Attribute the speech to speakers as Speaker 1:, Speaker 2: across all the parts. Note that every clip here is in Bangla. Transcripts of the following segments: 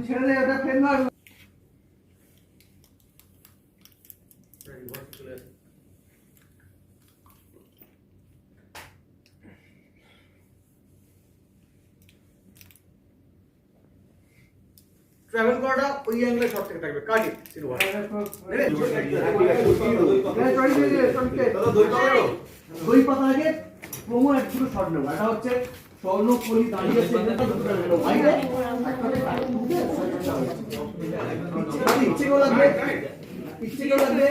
Speaker 1: ছেড়ে দে, ওটা ফেল মার।
Speaker 2: ট্রাভেল করাটা ওই অ্যাঙ্গেলে শট থেকে থাকবে কাটি সিলভার
Speaker 1: দই পাতা আগে প্রোমো এক ছিল শট নেব। এটা হচ্ছে স্বর্ণকলি দাঁড়িয়ে সেটা দুটো নেব বাইরে ইচ্ছে কেউ লাগবে, ইচ্ছে কেউ লাগবে।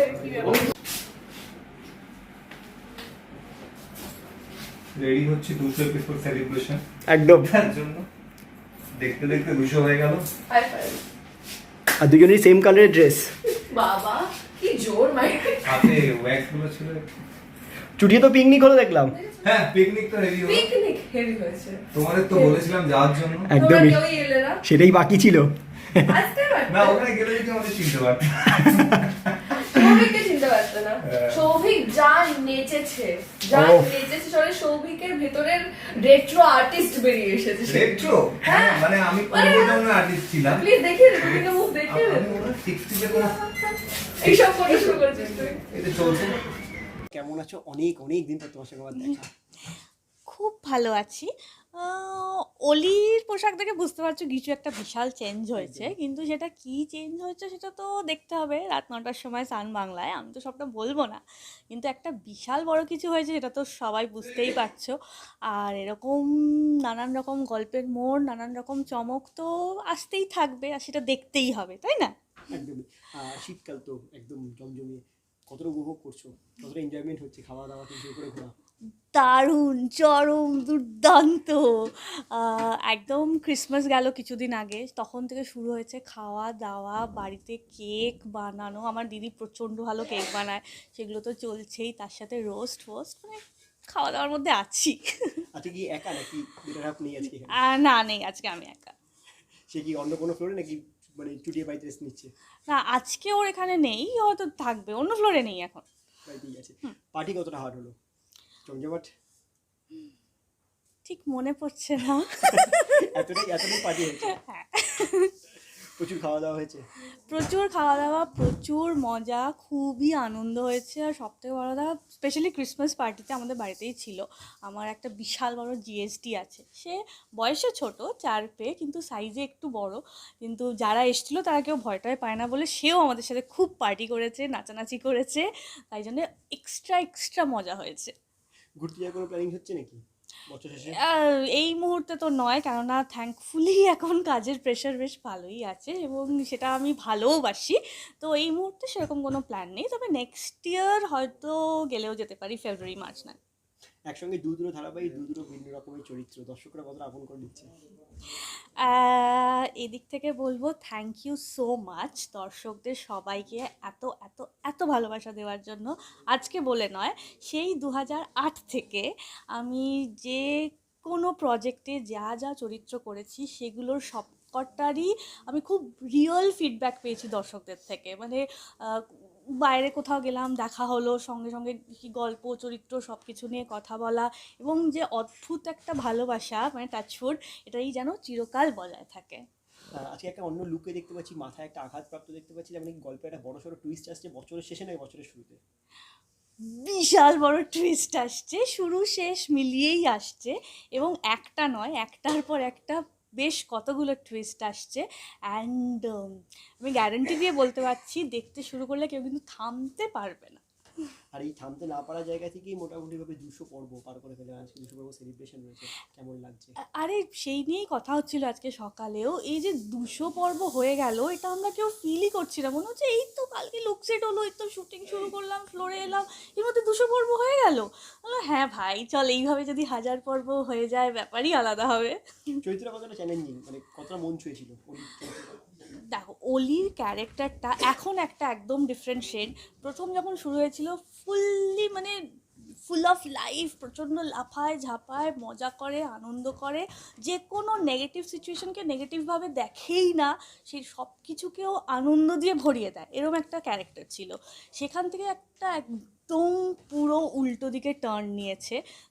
Speaker 3: রেডি হচ্ছে 200 এপিসোড সেলিব্রেশন
Speaker 1: একদম
Speaker 3: তার জন্য। দেখতে দেখতে 200 হয়ে গেল।
Speaker 1: আর দুজনেই সেম কালারের ড্রেস।
Speaker 4: বাবা কি জোর মাইর।
Speaker 3: হাতে ওয়্যাক্স গুলো ছিল।
Speaker 1: চুটিয়ে তো পিকনিক হলো দেখলাম।
Speaker 3: হ্যাঁ পিকনিক তো হেভি হলো।
Speaker 4: পিকনিক হেভি হয়েছে।
Speaker 3: তোমাদের তো বলেছিলাম যাওয়ার জন্য।
Speaker 4: তোমরা
Speaker 1: একদমই
Speaker 4: কেউই এলে না।
Speaker 1: সেটাই বাকি ছিল।
Speaker 4: আসতে পারতে।
Speaker 3: না ওখানে গেলে যদি আমাদের চিনতে পারতে।
Speaker 4: সৌভিককে চিনতে পারতো না।
Speaker 3: হ্যাঁ।
Speaker 4: সৌভিক যা নেচেছে, যা
Speaker 1: ওহ।
Speaker 4: নেচেছে সরে সৌভিকের ভেতরের রেট্রো আর্টিস্ট বেরিয়ে এসেছে।
Speaker 3: রেট্রো
Speaker 4: হ্যাঁ।
Speaker 3: মানে আমি কোন ধরনের আর্টিস্ট ছিলাম।
Speaker 4: প্লিজ দেখিয়ে দে, তুমি মুখ দেখিয়ে দে।
Speaker 3: আমি ওরা 60 কোনো
Speaker 4: এইসব করতে শুরু করেছিস তুই।
Speaker 3: এটা চলছে।
Speaker 1: কেমন আছো? অনেক অনেক দিন পর তোমার সঙ্গে আমার দেখা।
Speaker 5: খুব ভালো আছি। অলির পোশাক দেখে বুঝতে পারছো কিছু একটা বিশাল চেঞ্জ হয়েছে, কিন্তু সেটা কি চেঞ্জ হয়েছে সেটা তো দেখতে হবে রাত 9টার সময় সান বাংলায়। আমি তো সবটা বলবো না, কিন্তু একটা বিশাল বড় কিছু হয়েছে সেটা তো সবাই বুঝতেই পারছো। আর এরকম নানান রকম গল্পের মোড়, নানান রকম চমক তো আসতেই থাকবে, আর সেটা দেখতেই হবে, তাই না?
Speaker 1: একদমই। শীতকাল তো একদম জমজমিয়ে। কতটা উপভোগ করছো, কতটা এনজয়মেন্ট হচ্ছে, খাওয়া দাওয়া থেকে শুরু করে ঘোরা?
Speaker 5: দারুণ, চরম, দুর্দান্ত। একদম ক্রিসমাস গেল কিছুদিন আগে, তখন থেকে শুরু হয়েছে খাওয়া দাওয়া, বাড়িতে কেক বানানো। আমার দিদি প্রচণ্ড ভালো কেক বানায়, সেগুলো তো চলছেই, তার সাথে রোস্ট ফোস্ট, মানে খাওয়া দাওয়ার মধ্যে আছি।
Speaker 1: আজকে কি একা নাকি বেটার হাফ নেই আজকে?
Speaker 5: না, নেই, আজকে আমি একা।
Speaker 1: সে কি অন্য কোনো ফ্লোরে নাকি মানে চুটিয়ে বাড়িতে রেস্ট নিচ্ছে?
Speaker 5: না, আজকে ওর এখানে নেই, হয়তো থাকবে, অন্য ফ্লোরে নেই এখন।
Speaker 1: বাড়িতেই আছে। পার্টি কতটা হার্ড হলো, জমজমাট?
Speaker 5: ঠিক মনে পড়ছে না।
Speaker 1: এতটাই পার্টি হয়েছে?
Speaker 5: হ্যাঁ,
Speaker 1: প্রচুর খাওয়া দাওয়া হয়েছে?
Speaker 5: প্রচুর খাওয়া দাওয়া, প্রচুর মজা, খুবই আনন্দ হয়েছে। আর সবথেকে বড় কথা, স্পেশালি ক্রিসমাস পার্টিতে আমাদের বাড়িতেই ছিল আমার একটা বিশাল বড় জিএসটি আছে। সে বয়সে ছোট, 4 পেয়ে, কিন্তু সাইজে একটু বড়। কিন্তু যারা এসেছিলো তারা কেউ ভয়টাই পায় না বলে সেও আমাদের সাথে খুব পার্টি করেছে, নাচানাচি করেছে, তাই জন্য এক্সট্রা মজা হয়েছে।
Speaker 1: ঘুরতে যাওয়ার কোনো প্ল্যানিং হচ্ছে নাকি বছর শেষে?
Speaker 5: এই মুহূর্তে তো নয়, কেননা থ্যাঙ্কফুলি এখন কাজের প্রেশার বেশ ভালোই আছে এবং সেটা আমি ভালোওবাসি। তো এই মুহূর্তে সেরকম কোনো প্ল্যান নেই, তবে নেক্সট ইয়ার হয়তো গেলেও যেতে পারি, ফেব্রুয়ারি মার্চ না।
Speaker 1: একসঙ্গে দুটো ধারাবাহিক, দুটো ভিন্ন রকমের চরিত্র, দর্শকরা কতটা আপন করে দিচ্ছে?
Speaker 5: এদিক থেকে বলবো থ্যাংক ইউ সো মাচ দর্শকদের সবাইকে এত এত এত ভালোবাসা দেওয়ার জন্য। আজকে বলে নয়, সেই 2008 থেকে আমি যে কোনো প্রজেক্টে যা যা চরিত্র করেছি সেগুলোর সবকটারই আমি খুব রিয়েল ফিডব্যাক পেয়েছি দর্শকদের থেকে। মানে বাইরে কোথাও গেলাম, দেখা হলো, সঙ্গে সঙ্গে কি গল্প, চরিত্র সব কিছু নিয়ে কথা বলা, এবং যে অদ্ভুত একটা ভালোবাসা, মানে টাচউড, এটাই যেন চিরকাল বজায় থাকে।
Speaker 1: আজকে একটা অন্য লুকে দেখতে পাচ্ছি, মাথায় একটা আঘাতপ্রাপ্ত দেখতে পাচ্ছি, যেমন গল্পে একটা বড়সড় টুইস্ট আসছে বছরের শেষে নয় বছরের শুরুতে।
Speaker 5: বিশাল বড় টুইস্ট আসছে, শুরু শেষ মিলিয়েই আসছে, এবং একটা নয়, একটার পর একটা বেশ কতগুলো টুইস্ট আসছে। অ্যান্ড আমি গ্যারান্টি দিয়ে বলতে পারছি, দেখতে শুরু করলে কেউ কিন্তু থামতে পারবে না।
Speaker 1: আর এই থামতে না পারা জায়গা থেকেই মোটামুটিভাবে 200 পর্ব পার করে ফেলে, আজকে 200 পর্ব সেলিব্রেশন রয়েছে, কেমন লাগছে?
Speaker 5: আরে সেই নিয়েই কথা হচ্ছিল আজকে সকালেও, এই যে 200 পর্ব হয়ে গেল, এটা আমরা কেউ ফিলই করছি না। মনে হচ্ছে এই তো কালকে লুকসেট হলো, এই তো শুটিং শুরু করলাম, ফ্লোরে এলাম, এর মধ্যে 200 পর্ব হয়ে গেল। হ্যাঁ ভাই, চল এইভাবে যদি 1000 পর্ব হয়ে যায়, ব্যাপারই আলাদা হবে।
Speaker 1: চরিত্রটা কতটা চ্যালেঞ্জিং, মানে কতটা মন ছুঁয়েছিল?
Speaker 5: দেখো, অলির ক্যারেক্টারটা এখন একটা একদম ডিফারেন্ট শেড। প্রথম যখন শুরু হয়েছিল ফুললি, মানে ফুল অফ লাইফ, প্রচণ্ড লাফায় ঝাঁপায়, মজা করে, আনন্দ করে, যে কোনো নেগেটিভ সিচুয়েশনকে নেগেটিভভাবে দেখেই না, সেই সব কিছুকেও আনন্দ দিয়ে ভরিয়ে দেয়, এরকম একটা ক্যারেক্টার ছিল। সেখান থেকে একটা একদম পুরো উল্টো দিকে টার্ন নিয়েছে।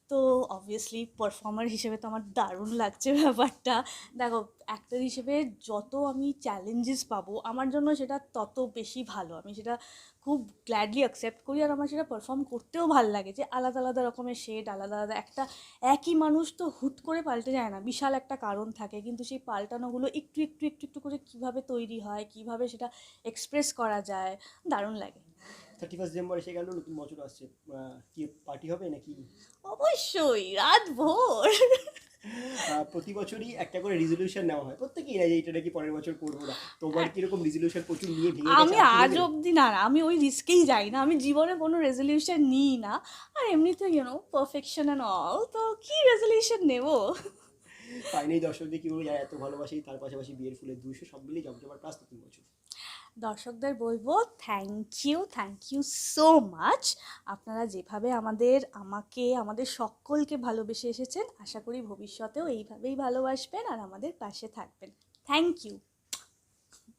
Speaker 5: তো অবভিয়াসলি পারফর্মার হিসেবে তো আমার দারুণ লাগছে ব্যাপারটা। দেখো, অ্যাক্টর হিসেবে যত আমি চ্যালেঞ্জেস পাবো আমার জন্য সেটা তত বেশি ভালো, আমি সেটা খুব গ্ল্যাডলি অ্যাকসেপ্ট করি। আর আমার সেটা পারফর্ম করতেও ভালো লাগে, যে আলাদা আলাদা রকমের শেড, আলাদা আলাদা একটা একই মানুষ তো হুট করে পাল্টে যায় না, বিশাল একটা কারণ থাকে, কিন্তু সেই পাল্টানোগুলো একটু একটু একটু একটু করে কীভাবে তৈরি হয়, কীভাবে সেটা এক্সপ্রেস করা যায়, দারুণ লাগে।
Speaker 6: 31 ডিসেম্বর এসে গেল, নতুন বছর আসছে, কি পার্টি হবে নাকি?
Speaker 5: অবশ্যই রাত ভোর।
Speaker 6: প্রতি বছরই একটা করে রেজলিউশন নেওয়া হয়, প্রত্যেকেই না যে এটা নাকি পরের বছর করবো না। তোমার কিরকম রেজলিউশন প্রচুর নিয়ে ভেঙে
Speaker 5: আমি আজ অবধি না, আমি ওই রিস্কেই যাই না, আমি জীবনে কোনো রেজলিউশন নিই না। আর এমনিতে পারফেকশন অ্যান্ড অল, তো কি রেজলিউশন নেবো।
Speaker 6: ফাইনালি দর্শকদের কি বলবো, যারা এত ভালোবাসি, তার পাশাপাশি বিয়ের ফুলের 200 সব মিলিয়ে জমজমাট প্লাস নতুন বছর।
Speaker 5: দর্শকদের বলবো থ্যাংক ইউ সো মাচ। আপনারা যেভাবে আমাকে আমাদের সকলকে ভালোবেসে এসেছেন, আশা করি ভবিষ্যতেও এইভাবেই ভালোবাসবেন আর আমাদের পাশে থাকবেন। Thank you.